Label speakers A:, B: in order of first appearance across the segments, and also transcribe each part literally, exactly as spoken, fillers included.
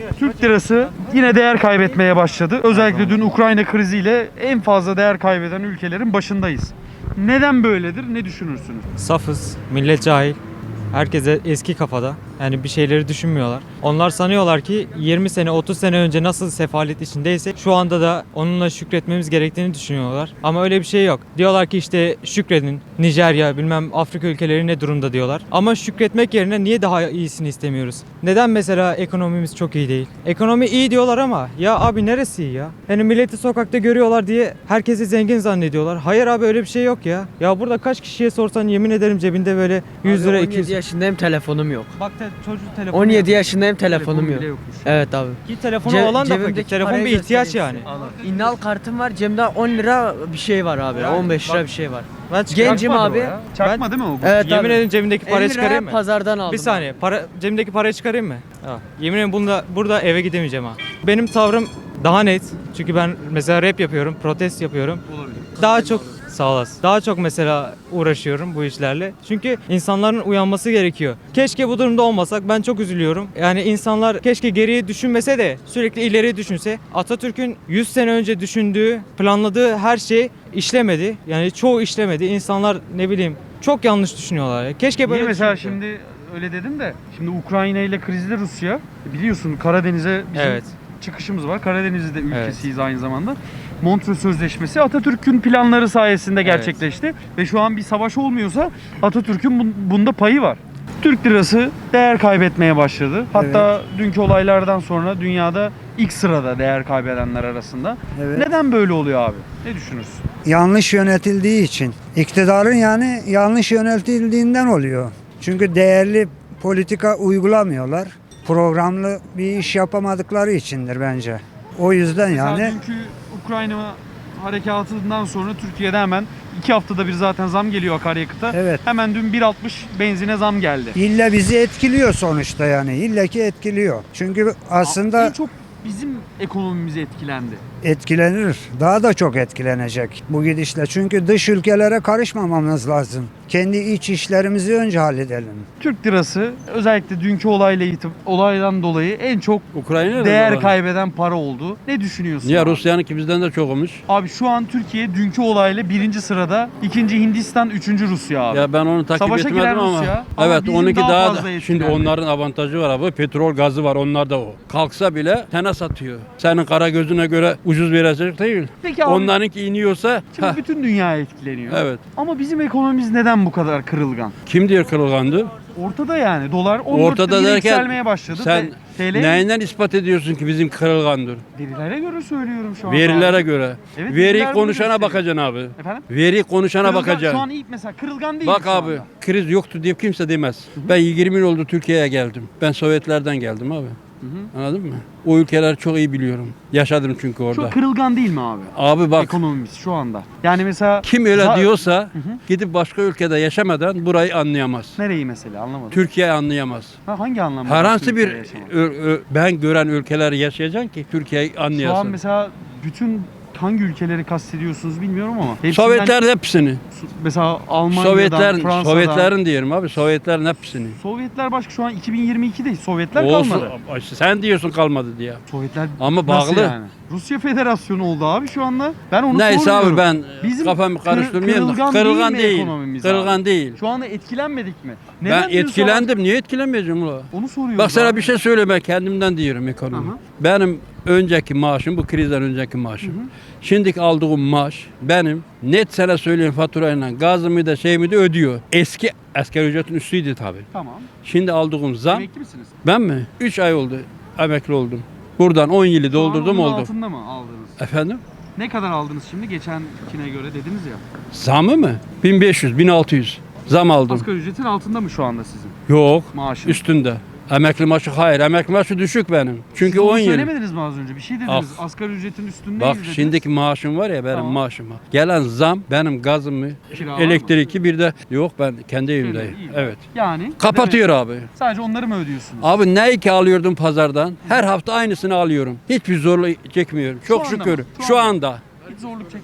A: Türk lirası yine değer kaybetmeye başladı. Özellikle dün Ukrayna kriziyle en fazla değer kaybeden ülkelerin başındayız. Neden böyledir? Ne düşünürsünüz?
B: Safız, millet cahil. Herkese eski kafada. Yani bir şeyleri düşünmüyorlar. Onlar sanıyorlar ki yirmi sene, otuz sene önce nasıl sefalet içindeyse şu anda da onunla şükretmemiz gerektiğini düşünüyorlar. Ama öyle bir şey yok. Diyorlar ki işte şükredin. Nijerya, bilmem Afrika ülkeleri ne durumda diyorlar. Ama şükretmek yerine niye daha iyisini istemiyoruz? Neden mesela ekonomimiz çok iyi değil? Ekonomi iyi diyorlar ama ya abi neresi iyi ya? Yani milleti sokakta görüyorlar diye herkesi zengin zannediyorlar. Hayır abi öyle bir şey yok ya. Ya burada kaç kişiye sorsan yemin ederim cebinde böyle yüz lira, iki yüz.
C: on yedi yaşındayım, telefonum yok.
B: Bak te- çocuğun telefonu
C: on yedi
B: yok.
C: yaşındayım, telefonum
A: Telefon
C: yok.
A: bile yokmuş.
C: Evet abi.
B: Ki telefonu
C: Ce-
B: olan da fakir.
C: cebimdeki
B: Telefon
C: parayı
B: bir ihtiyaç
C: göstereyim
B: yani.
C: size. İnnal kartım var, cebimde on lira bir şey var abi.
B: Yani
C: on beş lira
B: bak-
C: bir şey var.
B: Ben çıkarım.
C: Gencim
A: Çakmadır
C: abi.
A: o ya. Çakma değil mi o?
C: Evet
B: Yemin
C: abi.
B: ederim cebimdeki parayı
C: elli liraya
B: çıkarayım mı?
C: pazardan aldım.
B: Bir saniye. Para cebimdeki parayı çıkarayım mı? Ha. Yemin ederim bunda burada eve gidemeyeceğim ha. Benim tavrım daha net. Çünkü ben mesela rap yapıyorum, protest yapıyorum.
A: Olabilir.
B: Daha çok sağ olasın. Daha çok mesela uğraşıyorum bu işlerle. Çünkü insanların uyanması gerekiyor. Keşke bu durumda olmasak. Ben çok üzülüyorum. Yani insanlar keşke geriye düşünmese de sürekli ileriye düşünse. Atatürk'ün yüz sene önce düşündüğü, planladığı her şey işlemedi. Yani çoğu işlemedi. İnsanlar ne bileyim çok yanlış düşünüyorlar. ya. Keşke böyle
A: Niye mesela
B: düşünse.
A: şimdi öyle dedim de şimdi Ukrayna ile krizli Rusya biliyorsun Karadeniz'e bizim
B: Evet.
A: çıkışımız var. Karadeniz'de ülkesiyiz aynı zamanda. Montreux Sözleşmesi Atatürk'ün planları sayesinde gerçekleşti ve şu an bir savaş olmuyorsa Atatürk'ün bun- bunda payı var. Türk lirası değer kaybetmeye başladı. Hatta dünkü olaylardan sonra dünyada ilk sırada değer kaybedenler arasında.
D: Evet.
A: Neden böyle oluyor abi? Ne düşünürsün?
D: Yanlış yönetildiği için. İktidarın yani yanlış yönetildiğinden oluyor. Çünkü değerli politika uygulamıyorlar. Programlı bir iş yapamadıkları içindir bence. O yüzden
A: Mesela
D: yani
A: dünkü Ukrayna harekatından sonra Türkiye'de hemen iki haftada bir zaten zam geliyor akaryakıta.
D: Evet.
A: Hemen dün bir altmış benzine zam geldi.
D: illa bizi etkiliyor sonuçta yani. İlla ki etkiliyor. Çünkü aslında
A: En çok bizim ekonomimiz etkilendi.
D: etkilenir. Daha da çok etkilenecek bu gidişle. Çünkü dış ülkelere karışmamamız lazım. Kendi iç işlerimizi önce halledelim.
A: Türk lirası özellikle dünkü olayla itib- olaydan dolayı en çok
E: Ukrayna'da
A: değer
E: da var.
A: kaybeden para oldu. Ne düşünüyorsun?
E: Niye
A: abi?
E: Rusya'nınki bizden de çok olmuş.
A: Abi şu an Türkiye dünkü olayla birinci sırada, ikinci Hindistan, üçüncü Rusya abi.
E: Ya ben onu takip
A: Savaşa giren
E: etmedim ama.
A: Rusya ama
E: Evet
A: bizim
E: onunki
A: daha
E: daha,
A: fazla
E: da.
A: etkilendi.
E: Şimdi onların avantajı var abi. Petrol gazı var onlarda o. Kalksa bile tene satıyor. Senin kara gözüne göre ucuz verecek değil.
A: Peki abi,
E: Onlarınki iniyorsa
A: şimdi
E: heh,
A: bütün dünya etkileniyor.
E: evet.
A: Ama bizim ekonomimiz neden bu kadar kırılgan?
E: Kim diyor kırılgandı?
A: Ortada yani dolar on dört
E: Ortada
A: liraya
E: derken
A: yükselmeye başladı.
E: sen
A: T L
E: neyinden ispat ediyorsun ki bizim kırılgandır?
A: verilere göre söylüyorum şu an.
E: Verilere
A: abi.
E: göre.
A: Evet,
E: Veri
A: veriler bunu
E: konuşana
A: gösteriyor.
E: bakacaksın abi.
A: Efendim?
E: Veri konuşana
A: Kırılgan-
E: bakacaksın.
A: Şu an iyi mesela kırılgan değil
E: Bak
A: şu
E: abi
A: anda.
E: kriz yoktu diye kimse demez. Ben yirmi yıl oldu Türkiye'ye geldim. Ben Sovyetlerden geldim abi. Anladın mı? O ülkeleri çok iyi biliyorum. Yaşadım çünkü orada.
A: Şu kırılgan değil mi abi?
E: Abi bak
A: Ekonomimiz şu anda. Yani mesela
E: kim öyle
A: za-
E: diyorsa gidip başka ülkede yaşamadan burayı anlayamaz.
A: Nereyi mesela anlamadım.
E: Türkiye anlayamaz.
A: Ha, hangi anlamda?
E: Herhangi
A: başka
E: bir
A: ülkede yaşamak?
E: ö- ö- ben gören ülkeleri yaşayacaksın ki Türkiye'yi
A: Şu an
E: anlayasın.
A: mesela bütün hangi ülkeleri kastediyorsunuz bilmiyorum ama. hepsinden-
E: Sovyetler hepsini.
A: Mesela Almanya'dan,
E: Sovyetler,
A: Fransa'dan.
E: Sovyetlerin diyelim abi. Sovyetlerin hepsini.
A: Sovyetler başka şu an iki bin yirmi iki'de Sovyetler
E: Olsun.
A: kalmadı.
E: Sen diyorsun kalmadı diye.
A: Sovyetler
E: Ama
A: nasıl
E: bağlı.
A: yani? Rusya Federasyonu oldu abi şu anda. Ben onu
E: Neyse
A: sormuyorum.
E: abi ben
A: Bizim
E: kafamı
A: kır-
E: karıştırmayayım da.
A: kırılgan
E: Kırılgan
A: değil mi
E: değil.
A: ekonomimiz
E: Kırılgan
A: abi?
E: değil.
A: Şu anda etkilenmedik mi?
E: Ben
A: diyorsun
E: etkilendim. Niye etkilenmeyeceğim ulan?
A: abi? Onu soruyorum.
E: Bak sana
A: abi.
E: bir şey söyleme kendimden diyorum ekonomi.
A: Aha.
E: Benim önceki maaşım bu krizden önceki maaşım. Şimdiki aldığım maaş benim net sana söyleyeyim faturayla gazımı da şeyimi de ödüyor. Eski asgari ücretin üstüydü tabii.
A: Tamam.
E: Şimdi aldığım zam
A: Emekli misiniz?
E: ben mi? üç ay oldu emekli oldum. Buradan on yılı
A: Şu an
E: doldurdum
A: onun
E: oldu.
A: altında mı aldınız?
E: Efendim?
A: Ne kadar aldınız şimdi geçenkine göre dediniz ya.
E: Zamı mı? bin beş yüz, bin altı yüz zam aldım.
A: Asgari ücretin altında mı şu anda sizin
E: Yok.
A: maaşın?
E: Üstünde. Emekli maaşı hayır. Emekli maaşı düşük benim. Çünkü
A: Siz onu
E: on yıl.
A: söylemediniz mi az önce? Bir şey dediniz.
E: Ah.
A: Asgari ücretin üstündeyiz
E: Bak
A: dediniz.
E: şimdiki maaşım var ya benim
A: Tamam.
E: maaşıma. Gelen zam benim gazımı,
A: Kira var
E: elektriki bir de yok ben kendi evimdeyim.
A: iyi.
E: Evet.
A: Yani
E: Kapatıyor abi.
A: demek- sadece onları mı ödüyorsunuz?
E: Abi ne ki alıyordum pazardan? Her hafta aynısını alıyorum. Hiçbir zorluk çekmiyorum. Çok
A: anda mı?
E: şükür.
A: Şu
E: Şu
A: anda.
E: anda.
A: Hiç zorluk çekmiyor.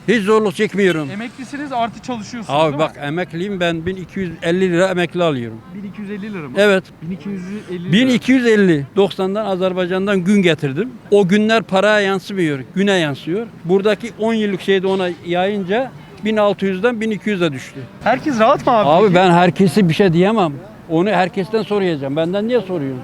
E: Hiç zorluk çekmiyorum.
A: Emeklisiniz artı çalışıyorsunuz
E: Abi
A: değil
E: bak
A: mi?
E: emekliyim ben bin iki yüz elli lira emekli alıyorum.
A: bin iki yüz elli lira mı?
E: Evet.
A: bin iki yüz elli lira.
E: bin iki yüz elli. doksandan Azerbaycan'dan gün getirdim. O günler paraya yansımıyor, güne yansıyor. Buradaki on yıllık şeyde ona yayınca bin altı yüzden bin iki yüze düştü.
A: Herkes rahat mı abi?
E: Abi
A: peki?
E: ben herkesi bir şey diyemem. Onu herkesten soracağım. Benden niye soruyorsun?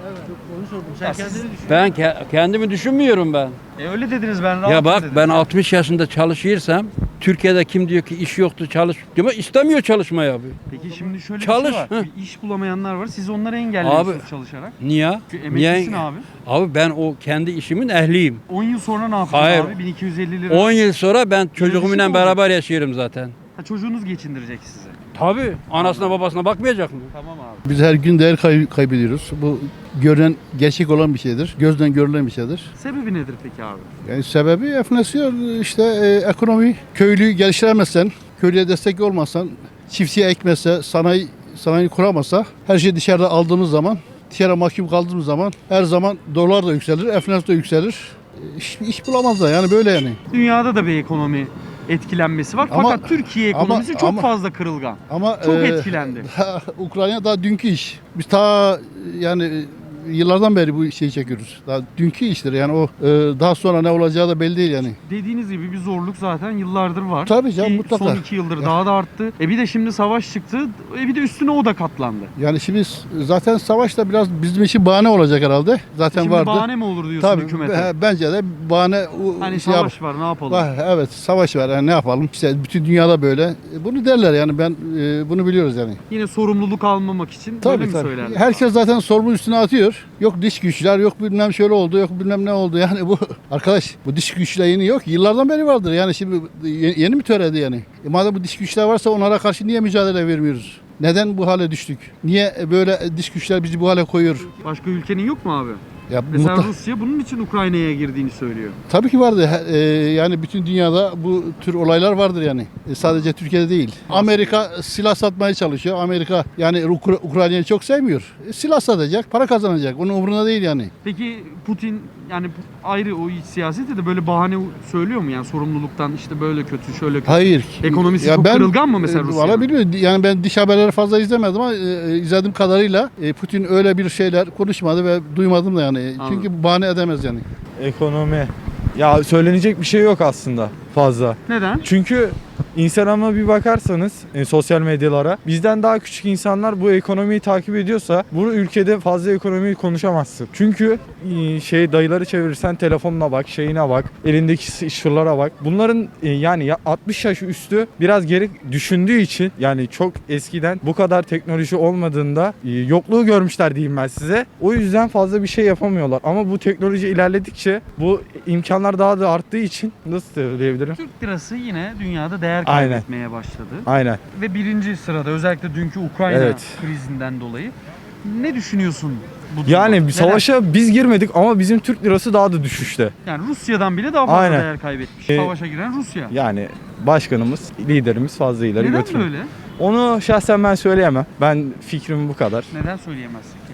A: Ya siz-
E: Ben ke- kendimi düşünmüyorum ben.
A: E öyle dediniz ben rahat
E: Ya bak
A: dediniz.
E: ben altmış yaşında çalışırsam Türkiye'de kim diyor ki iş yoktu çalış diyor istemiyor çalışmayı abi.
A: Peki şimdi şöyle
E: Çalış,
A: bir şey var.
E: hı.
A: Bir iş bulamayanlar var. Siz onları engelliyorsunuz çalışarak.
E: Niye?
A: Çünkü emeklisin
E: Niye?
A: abi.
E: Abi ben o kendi işimin ehliyim.
A: on yıl sonra ne yapacaksın
E: Hayır.
A: abi? bin iki yüz elli lira.
E: on yıl sonra ben
A: düşük
E: çocuğumla
A: olacak.
E: beraber yaşıyorum zaten.
A: Ha, çocuğunuz geçindirecek sizi.
E: Tabii. Anasına babasına bakmayacak mı?
A: Tamam abi.
F: Biz her gün değer kay- kaybediyoruz. Bu görünen, gerçek olan bir şeydir. Gözden görülen bir şeydir.
A: Sebebi nedir peki abi?
F: Yani sebebi enflasyon, işte e, ekonomi. Köylüyü geliştiremezsen, köylüye destek olmazsan, çiftçiye ekmezse, sanayi sanayi kuramazsa, her şeyi dışarıda aldığımız zaman, dışarı mahkum kaldığımız zaman her zaman dolar da yükselir, enflasyon da yükselir. E, İş, iş bulamazlar yani böyle yani.
A: Dünyada da bir ekonomi etkilenmesi var.
F: Ama-
A: Fakat Türkiye
F: ama-
A: ekonomisi çok
F: ama-
A: fazla kırılgan.
F: Ama
A: Çok
F: e,
A: etkilendi.
F: daha Ukrayna daha dünkü iş. Biz ta yani yıllardan beri bu şeyi çekiyoruz. Daha dünkü iştir yani o e, daha sonra ne olacağı da belli değil yani.
A: Dediğiniz gibi bir zorluk zaten yıllardır var.
F: Tabii canım,
A: Ki
F: mutlaka.
A: Son iki yıldır daha da arttı. E bir de şimdi savaş çıktı. E bir de üstüne o da katlandı.
F: Yani şimdi zaten savaş da biraz bizim için bahane olacak herhalde. Zaten
A: Şimdi
F: vardı.
A: bahane mi olur diyorsun
F: Tabii
A: hükümete?
F: he, bence de bahane o-
A: Hani
F: şey yap-
A: savaş var ne yapalım?
F: var, evet savaş var yani ne yapalım? İşte bütün dünyada böyle. E, Bunu derler yani ben e, bunu biliyoruz yani.
A: Yine sorumluluk almamak için böyle
F: Tabii
A: mi
F: tabii.
A: söylerler?
F: Herkes zaten sorumlu üstüne atıyor. Yok dış güçler, yok bilmem şöyle oldu, yok bilmem ne oldu. Yani bu arkadaş bu dış güçler yeni yok. Yıllardan beri vardır. Yani şimdi yeni, yeni mi töredi yani? E madem bu dış güçler varsa onlara karşı niye mücadele vermiyoruz? Neden bu hale düştük? Niye böyle dış güçler bizi bu hale koyuyor?
A: Başka ülkenin yok mu abi?
F: Ya
A: Mesela
F: mutlak-
A: Rusya bunun için Ukrayna'ya girdiğini söylüyor.
F: Tabii ki vardı. He- e, yani bütün dünyada bu tür olaylar vardır yani. E, sadece Türkiye'de değil. Amerika silah satmaya çalışıyor. Amerika yani Ukra- Ukrayna'yı çok sevmiyor. E, silah satacak, para kazanacak. Onun umurunda değil yani.
A: Peki Putin yani ayrı o iç siyasette de böyle bahane söylüyor mu? Yani sorumluluktan işte böyle kötü şöyle kötü.
F: Hayır.
A: Ekonomisi çok kırılgan mı mesela
F: e,
A: Rusya'nın?
F: Valla bilmiyorum. Yani ben dış haberleri fazla izlemedim ama e, izlediğim kadarıyla e, Putin öyle bir şeyler konuşmadı ve duymadım da yani.
A: Anladım.
F: Çünkü bahane edemez yani.
G: Ekonomi. Ya söylenecek bir şey yok aslında fazla.
A: Neden?
G: Çünkü Instagram'a bir bakarsanız e, sosyal medyalara bizden daha küçük insanlar bu ekonomiyi takip ediyorsa bu ülkede fazla ekonomiyi konuşamazsın. Çünkü e, şey dayıları çevirirsen telefonuna bak, şeyine bak, elindeki şuralara bak. Bunların e, yani ya altmış yaş üstü biraz geri düşündüğü için yani çok eskiden bu kadar teknoloji olmadığında e, yokluğu görmüşler diyeyim ben size. O yüzden fazla bir şey yapamıyorlar. Ama bu teknoloji ilerledikçe bu imkanlar daha da arttığı için nasıl söyleyebilirim?
A: Türk lirası yine dünyada değer
G: Aynen.
A: kaybetmeye başladı.
G: Aynen.
A: Ve birinci sırada özellikle dünkü Ukrayna
G: Evet.
A: krizinden dolayı. Ne düşünüyorsun bu durumda?
G: Yani bir
A: Neden?
G: savaşa biz girmedik ama bizim Türk lirası daha da düşüşte.
A: Yani Rusya'dan bile daha fazla
G: Aynen.
A: değer kaybetmiş.
G: Ee,
A: Savaşa giren Rusya.
G: Yani başkanımız, liderimiz fazla ileri
A: Neden
G: götürmüyor.
A: böyle?
G: Onu şahsen ben söyleyemem. Ben fikrim bu kadar.
A: Neden söyleyemezsin ki?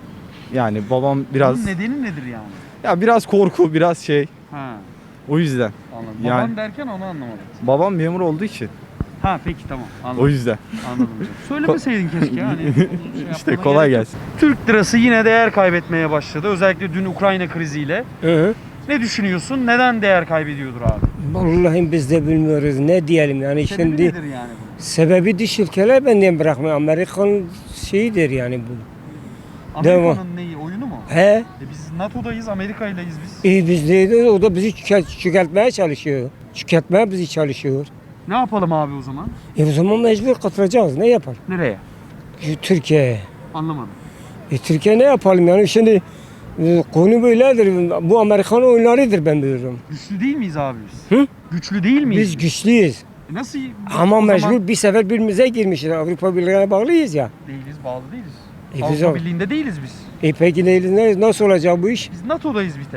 G: Yani babam biraz
A: Bunun nedeni nedir yani?
G: ya biraz korku, biraz şey.
A: Ha,
G: O yüzden.
A: anladım.
G: Yani-
A: Baban derken onu anlamadım.
G: Babam memur olduğu için.
A: Ha peki tamam anladım.
G: O yüzden.
A: Anladım. Söylemeseydin keşke hani. Şey
G: İşte
A: yapmana
G: kolay
A: gerek yok.
G: gelsin.
A: Türk lirası yine değer kaybetmeye başladı. Özellikle dün Ukrayna kriziyle. Ne düşünüyorsun? Neden değer kaybediyordur abi?
H: Vallahi biz de bilmiyoruz ne diyelim yani
A: Sebebi
H: şimdi
A: nedir yani bunun?
H: sebebi dış ülkeler benden bırakmıyor. Amerikan şeyidir yani bu.
A: Amerika'nın neyi? Oyunu mu?
H: He?
A: E biz NATO'dayız, Amerika'yleyiz biz.
H: İyi biz de o da bizi çöke- çökertmeye çalışıyor. Çökertmeye bizi çalışıyor.
A: Ne yapalım abi o zaman?
H: E o zaman mecbur katılacağız. Ne yapar?
A: Nereye?
H: Türkiye'ye.
A: Anlamadım.
H: E Türkiye ne yapalım yani şimdi e, konu böyledir. Bu Amerikan oyunlarıdır ben biliyorum.
A: Güçlü değil miyiz abi biz?
H: Hı?
A: Güçlü değil miyiz?
H: Biz güçlüyüz.
A: E Nasıl?
H: Ama
A: o
H: mecbur
A: zaman
H: bir sefer birbirimize girmişiz. Avrupa Birliği'ne bağlıyız ya.
A: değiliz, bağlı değiliz.
H: E biz
A: Avrupa
H: o-
A: Birliği'nde değiliz biz.
H: E peki ne- ne- nasıl olacak bu iş?
A: Biz NATO'dayız bir tek.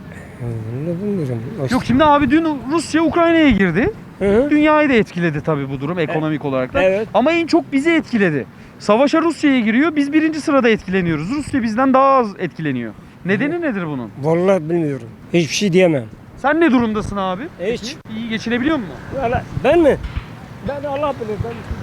H: Ne bilmiyorum.
A: Yok şimdi abi dün Rusya Ukrayna'ya girdi.
H: Hı hı.
A: Dünyayı da etkiledi tabii bu durum ekonomik olarak da.
H: Evet.
A: Ama en çok bizi etkiledi. Savaşa Rusya'ya giriyor. Biz birinci sırada etkileniyoruz. Rusya bizden daha az etkileniyor. Nedeni nedir bunun?
H: Vallahi bilmiyorum. Hiçbir şey diyemem.
A: Sen ne durumdasın abi?
H: Hiç.
A: Peki, İyi geçinebiliyor musun?
H: Valla ben mi? Ben Allah bilir.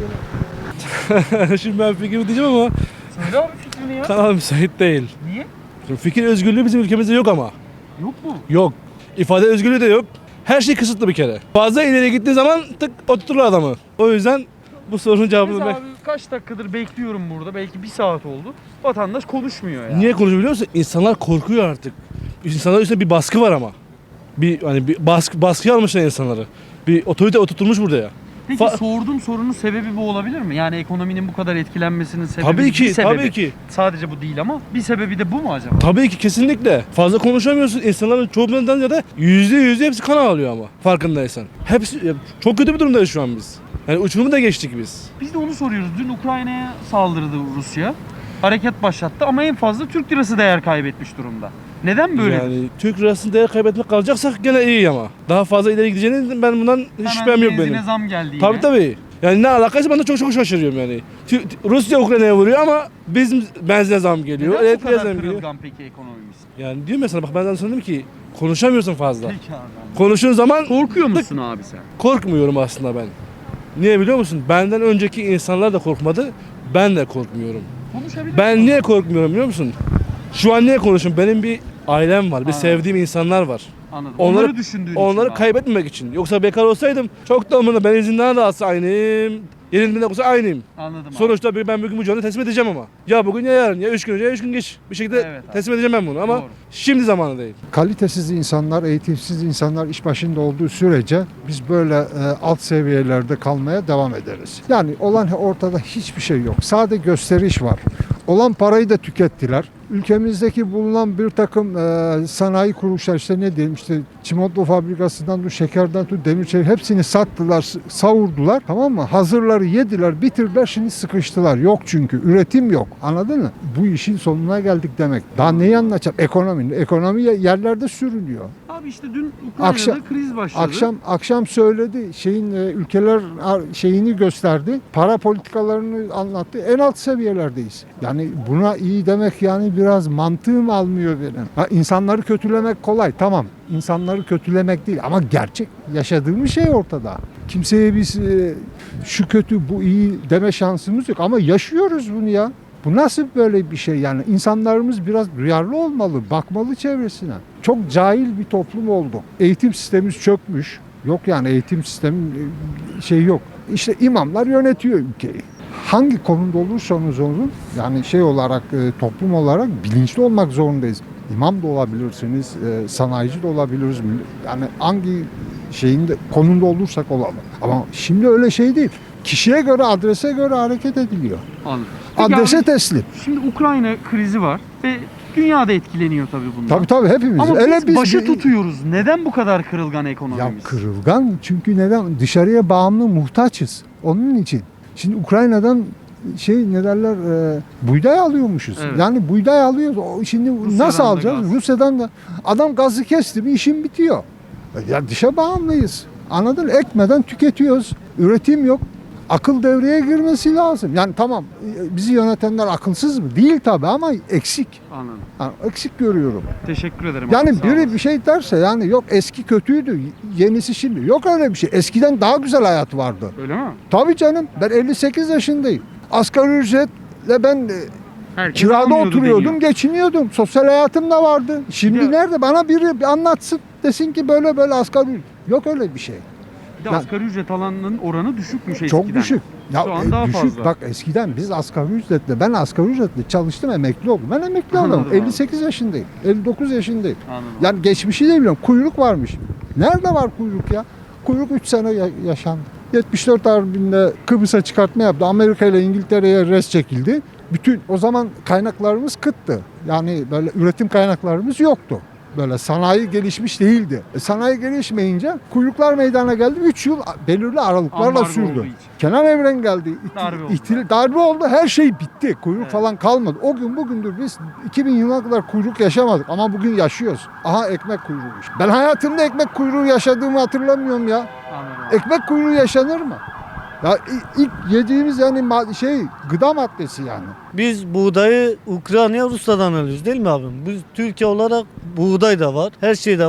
H: Ben
I: Şimdi ben fikrimi diyeceğim ama
A: Söyle abi fikrini ya.
I: kanal müsait değil.
A: Niye?
I: Şimdi fikir özgürlüğü bizim ülkemizde yok ama.
A: Yok mu?
I: Yok. İfade özgürlüğü de yok. Her şey kısıtlı bir kere. Fazla ileri gittiği zaman tık oturturlar adamı. O yüzden bu sorunun cevabını
A: Mesela
I: ben...
A: abi kaç dakikadır bekliyorum burada. Belki bir saat oldu. Vatandaş konuşmuyor ya.
I: Niye konuşuyor biliyor musun? İnsanlar korkuyor artık. İnsanlar üstünde bir baskı var ama. Bir hani bir baskı baskı almışlar insanları. Bir otorite oturtulmuş burada ya.
A: Peki
I: Fa-
A: sorduğum sorunun sebebi bu olabilir mi? Yani ekonominin bu kadar etkilenmesinin sebebi
I: Tabii
A: bir
I: ki,
A: sebebi.
I: tabii ki.
A: Sadece bu değil ama bir sebebi de bu mu acaba?
I: Tabii ki kesinlikle. Fazla konuşamıyorsun. İnsanların çoğundan ya da yüzde yüzde hepsi kan ağlıyor ama farkındaysan. Hepsi ya, çok kötü bir durumdayız şu an biz. Yani uçurumu da geçtik biz.
A: Biz de onu soruyoruz. Dün Ukrayna'ya saldırdı Rusya. Hareket başlattı ama en fazla Türk lirası değer kaybetmiş durumda. Neden böyle?
I: Yani Türk lirasını değer kaybetmek kalacaksak gene iyi ama. Daha fazla ileri gideceğini ben bundan hiç şüphem yok benim.
A: zam geldi yine.
I: Tabii tabii. Yani ne alakaysa ben de çok çok şaşırıyorum yani. Tü- Rusya Ukrayna'ya vuruyor ama bizim benzine zam geliyor.
A: Neden bu
I: Elektriğe
A: kadar
I: zam geliyor.
A: kırılgan peki ekonomimiz?
I: Yani diyor mesela bak ben sana söyledim ki konuşamıyorsun fazla.
A: Peki abi.
I: Konuştuğun zaman
A: Korkuyor musun abi sen?
I: korkmuyorum aslında ben. Niye biliyor musun? Benden önceki insanlar da korkmadı. Ben de korkmuyorum.
A: Konuşabilir
I: Ben
A: misin?
I: niye korkmuyorum biliyor musun? Şu an niye konuşuyorum? Benim bir ailem var, bir
A: Anladım.
I: sevdiğim insanlar var.
A: Anladım.
I: Onları-
A: Onları düşündüğün
I: Onları
A: için abi.
I: kaybetmemek için. Yoksa bekar olsaydım çok da umurumda. Ben izinden de alsa aynıyım. Yenildiğinde olsa aynıyım.
A: Anladım abi.
I: Sonuçta bir- ben bugün bu canı teslim edeceğim ama. Ya bugün ya yarın ya üç gün önce ya üç gün geç. Bir şekilde
A: Evet abi.
I: teslim edeceğim ben bunu ama
A: Doğru.
I: şimdi zamanı değil.
J: Kalitesiz insanlar, eğitimsiz insanlar iş başında olduğu sürece biz böyle e, alt seviyelerde kalmaya devam ederiz. Yani olan ortada hiçbir şey yok. Sade gösteriş var. Olan parayı da tükettiler. Ülkemizdeki bulunan bir takım e, sanayi kuruluşlar işte ne diyelim işte çimento fabrikasından tut, şekerden tut, demir çelik hepsini sattılar, s- savurdular tamam mı? Hazırları yediler, bitirdiler şimdi sıkıştılar. Yok çünkü üretim yok. Anladın mı? Bu işin sonuna geldik demek. Daha neyi anlatacağım? Ekonomi. Ekonomi yerlerde sürünüyor.
A: Abi işte dün Ukrayna'da
J: Akşam-
A: kriz başladı.
J: Akşam akşam söyledi şeyin e, ülkeler ar- şeyini gösterdi. Para politikalarını anlattı. En alt seviyelerdeyiz. Yani buna iyi demek yani biraz mantığım almıyor benim. Ha, insanları kötülemek kolay tamam. İnsanları kötülemek değil ama gerçek yaşadığımız şey ortada. Kimseye biz e, şu kötü bu iyi deme şansımız yok ama yaşıyoruz bunu ya. Bu nasıl böyle bir şey yani? İnsanlarımız biraz duyarlı olmalı, bakmalı çevresine. Çok cahil bir toplum olduk. Eğitim sistemimiz çökmüş. Yok yani eğitim sistemi e, şey yok. İşte imamlar yönetiyor ülkeyi. Hangi konumda olursanız olun yani şey olarak e, toplum olarak bilinçli olmak zorundayız. İmam da olabilirsiniz, e, sanayici de olabiliriz. Yani hangi şeyin de, konumda olursak olalım. Ama şimdi öyle şey değil. Kişiye göre, adrese göre hareket ediliyor.
A: Anladım. Peki
J: Adrese
A: abi,
J: teslim.
A: şimdi Ukrayna krizi var ve dünya da etkileniyor tabii bundan.
J: Tabii tabii hepimiz.
A: Ama
J: Öyle
A: biz başı
J: bir-
A: tutuyoruz. Neden bu kadar kırılgan
J: Ya
A: ekonomimiz?
J: kırılgan çünkü neden? Dışarıya bağımlı muhtaçız. Onun için. Şimdi Ukrayna'dan şey ne derler e, buğday alıyormuşuz.
A: Evet.
J: Yani buğday alıyoruz. O şimdi
A: Rusya'dan
J: nasıl
A: da
J: alacağız?
A: gaz.
J: Rusya'dan da adam gazı kesti mi işin bitiyor. Ya dışa bağımlıyız. Anladın mı? Ekmeden tüketiyoruz. Üretim yok. Akıl devreye girmesi lazım. Yani tamam e, bizi yönetenler akılsız mı? Değil tabii ama eksik.
A: Anladım.
J: Yani eksik görüyorum.
A: Teşekkür ederim. abi,
J: Yani
A: sağ
J: biri
A: olasın.
J: bir şey derse yani yok eski kötüydü, yenisi şimdi. Yok öyle bir şey. Eskiden daha güzel hayat vardı.
A: Öyle mi?
J: Tabii canım ben elli sekiz yaşındayım. Asgari ücretle ben e,
A: Herkes
J: kirada
A: almıyordu
J: oturuyordum,
A: deniyor.
J: geçiniyordum. Sosyal hayatım da vardı. Şimdi
A: Bir de-
J: nerede? Bana biri bir anlatsın. Desin ki böyle böyle asgari ücret. Yok öyle bir şey.
A: Bir de
J: Ya-
A: asgari ücret alanının oranı düşükmüş eskiden.
J: Çok düşük. Ya,
A: Şu an
J: e,
A: daha
J: düşük.
A: fazla.
J: Bak eskiden biz asgari ücretle, ben asgari ücretle çalıştım, emekli oldum. Ben emekli
A: Anladım
J: oldum.
A: abi.
J: elli sekiz yaşındayım. elli dokuz yaşındayım.
A: Anladım.
J: Yani geçmişi de biliyorum. Kuyruk varmış. Nerede var kuyruk ya? Kuyruk üç sene ya- yaşandı. yetmiş dört Harbi'nde Kıbrıs'a çıkartma yaptı. Amerika ile İngiltere'ye res çekildi. Bütün o zaman kaynaklarımız kıttı. Yani böyle üretim kaynaklarımız yoktu. Böyle sanayi gelişmiş değildi. E, sanayi gelişmeyince kuyruklar meydana geldi. üç yıl belirli aralıklarla
A: Ambargo olduğu
J: sürdü.
A: için.
J: Kenan Evren geldi. İti-
A: Darbe oldu.
J: ihtil- darbe oldu. Her şey bitti. Kuyruk
A: Evet.
J: falan kalmadı. O gün bugündür biz iki bin yılına kadar kuyruk yaşamadık ama bugün yaşıyoruz. Aha ekmek kuyruğu işte. Ben hayatımda ekmek kuyruğu yaşadığımı hatırlamıyorum ya.
A: Anladım.
J: Ekmek kuyruğu yaşanır mı? Ya i- ilk yediğimiz yani ma- şey gıda maddesi yani.
K: Biz buğdayı Ukrayna Rusya'dan alıyoruz değil mi abim? Biz Türkiye olarak buğday da var, her şey de var.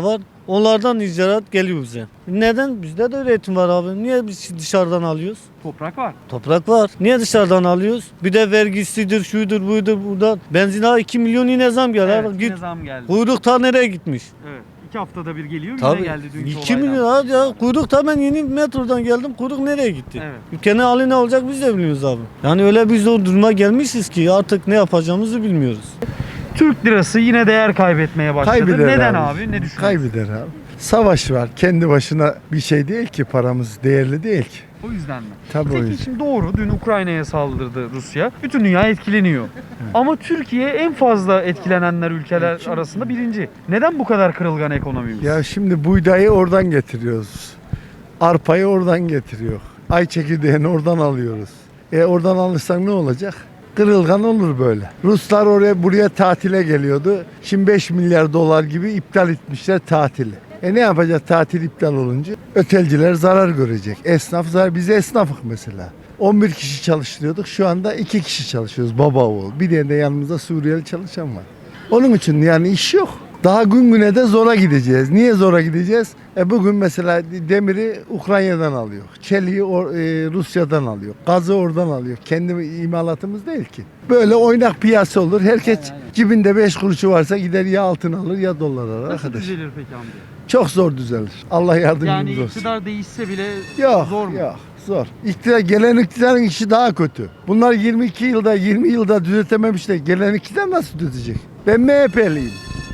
K: Onlardan icraat geliyor bize. Neden? Bizde de üretim var abi. Niye biz dışarıdan alıyoruz?
A: Toprak var.
K: Toprak var. Niye dışarıdan alıyoruz? Bir de vergisidir, şudur, buydur, buradan. Benzine iki milyon yine zam geldi.
A: Evet,
K: Git.
A: yine zam geldi.
K: Kuyruk ta nereye gitmiş?
A: Evet. İki haftada bir geliyor.
K: Tabii.
A: Yine geldi dünkü
K: iki
A: olaydan.
K: milyon abi ya. Kuyruk ta ben yeni metrodan geldim. Kuyruk nereye gitti?
A: Evet.
K: Ülkenin hali ne olacak biz de bilmiyoruz abi. Yani öyle bir zor duruma gelmişiz ki artık ne yapacağımızı bilmiyoruz.
A: Türk lirası yine değer kaybetmeye başladı.
J: Kaybeder
A: Neden
J: abi.
A: abi? Ne düşünüyorsun?
J: Kaybeder abi. Savaş var. Kendi başına bir şey değil ki, paramız değerli değil ki.
A: O yüzden mi?
J: Tabii o
A: Peki
J: yüzden.
A: şimdi doğru. Dün Ukrayna'ya saldırdı Rusya. Bütün dünya etkileniyor. Ama Türkiye en fazla etkilenenler ülkeler arasında birinci. Neden bu kadar kırılgan ekonomimiz?
J: Ya şimdi buğdayı oradan getiriyoruz. Arpayı oradan getiriyor. Ay çekirdeğini oradan alıyoruz. E oradan alırsak ne olacak? Kırılgan olur böyle. Ruslar oraya buraya tatile geliyordu. Şimdi beş milyar dolar gibi iptal etmişler tatili. E ne yapacak tatil iptal olunca? Ötelciler zarar görecek. Esnaf zarar. Biz esnafık mesela. on bir kişi çalıştırıyorduk. Şu anda iki kişi çalışıyoruz baba oğul. Bir tane de yanımızda Suriyeli çalışan var. Onun için yani iş yok. Daha gün güne de zora gideceğiz. Niye zora gideceğiz? E bugün mesela demiri Ukrayna'dan alıyor. Çeliği or- e, Rusya'dan alıyor. Gazı oradan alıyor. Kendi imalatımız değil ki. Böyle oynak piyasa olur. Herkes cebinde beş kuruşu varsa gider ya altın alır ya dolar alır.
A: Nasıl
J: Arkadaş.
A: düzelir peki amca?
J: Çok zor düzelir. Allah yardımcımız
A: Yani
J: olsun.
A: iktidar değişse bile
J: Yok,
A: zor mu?
J: yok, zor. İktidar, gelen iktidarın işi daha kötü. Bunlar yirmi iki yılda, yirmi yılda düzeltememişler. Gelen iktidar nasıl düzeltecek? Ben M H P'liyim.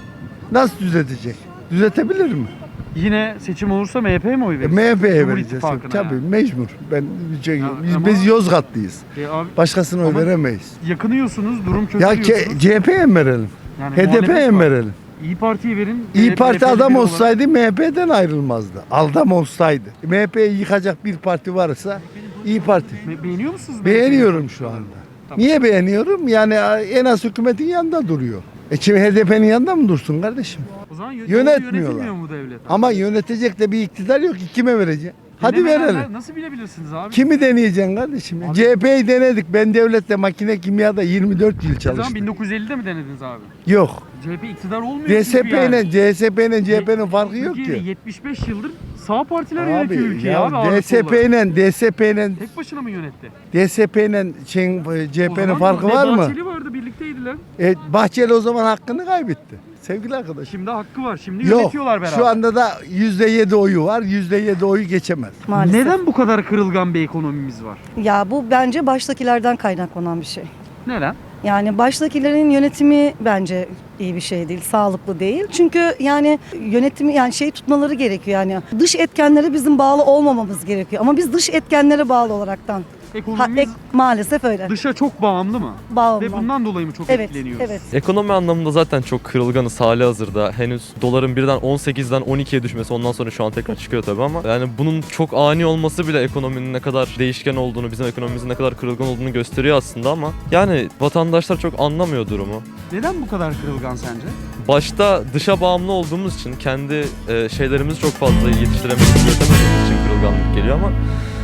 J: Nasıl düzeltecek? Düzeltebilir mi?
A: Yine seçim olursa M H P'ye mi oy
J: E,
A: verirsin?
J: M H P'ye
A: Cumhur
J: vereceğiz.
A: İttifakı'na
J: Tabii
A: yani.
J: mecbur. Ben şey,
A: Ya,
J: biz,
A: ama-
J: biz Yozgatlıyız.
A: E abi,
J: Başkasına oy
A: Ama-
J: veremeyiz.
A: yakınıyorsunuz, durum kötü
J: Ya
A: diyorsunuz.
J: ke, C H P'ye mi verelim?
A: Yani
J: H D P'ye
A: muhalefet
J: mi
A: var.
J: verelim?
A: İyi Parti'yi verin.
J: İyi
A: E,
J: Parti
A: M H P'li
J: adam
A: biri olarak-
J: olsaydı M H P'den ayrılmazdı. Adam olsaydı. M H P'yi yıkacak bir parti varsa İyi Parti.
A: Me- Beğeniyor musunuz? M H P'yi?
J: Beğeniyorum şu anda.
A: Tamam.
J: Niye beğeniyorum? Yani en az hükümetin yanında duruyor. E şimdi H D P'nin yanında mı dursun kardeşim?
A: O zaman yö-
J: Yönetmiyorlar.
A: yönetilmiyor mu devlet?
J: Ama yönetecek de bir iktidar yok ki kime vereceksin? Hadi
A: Denemeyenler
J: verelim.
A: Nasıl bilebilirsiniz abi?
J: Kimi deneyeceksin kardeşim?
A: Abi-
J: C H P'yi denedik. Ben devlette makine kimyada yirmi dört yıl
A: O zaman
J: çalıştım.
A: bin dokuz yüz ellide mi denediniz abi?
J: Yok.
A: C H P iktidar olmuyor
J: D S
A: çünkü
J: P
A: yani.
J: ile C S P ile C H P'nin farkı yok
A: Türkiye'de
J: ki.
A: yetmiş beş yıldır sağ partiler
J: Abi
A: yönetiyor ülkeyi
J: ya
A: abi. ağırlıklı
J: D S P
A: olarak.
J: ile D S P ile
A: Tek başına mı yönetti?
J: D S P ile şeyin, C H
A: O
J: P'nin
A: zaman
J: farkı
A: ne
J: var mı?
A: Bahçeli vardı, birlikteydiler.
J: E, Bahçeli o zaman hakkını kaybetti. Sevgili arkadaşım.
A: Şimdi hakkı var. Şimdi
J: Yok.
A: yönetiyorlar beraber.
J: Şu anda da yüzde yedi oyu var. yüzde yedi oyu geçemez.
L: Maalesef.
A: Neden bu kadar kırılgan bir ekonomimiz var?
L: Ya bu bence baştakilerden kaynaklanan bir şey.
A: Neden?
L: Yani baştakilerin yönetimi bence iyi bir şey değil, sağlıklı değil. Çünkü yani yönetimi yani şey tutmaları gerekiyor yani. Dış etkenlere bizim bağlı olmamamız gerekiyor. Ama biz dış etkenlere bağlı olaraktan. Ha,
A: Ekonomimiz
L: ek- maalesef öyle.
A: dışa çok bağımlı mı?
L: Bağımlı.
A: Ve bundan dolayı mı çok
L: Evet,
A: etkileniyoruz?
L: evet.
M: Ekonomi anlamında zaten çok kırılganız hali hazırda. Henüz doların birden on sekizden on ikiye düşmesi, ondan sonra şu an tekrar çıkıyor tabii ama yani bunun çok ani olması bile ekonominin ne kadar değişken olduğunu, bizim ekonomimizin ne kadar kırılgan olduğunu gösteriyor aslında ama yani vatandaşlar çok anlamıyor durumu.
A: Neden bu kadar kırılgan sence?
M: Başta dışa bağımlı olduğumuz için kendi e, şeylerimizi çok fazla yetiştiremediğimiz, üretemediğimiz için kırılganlık geliyor ama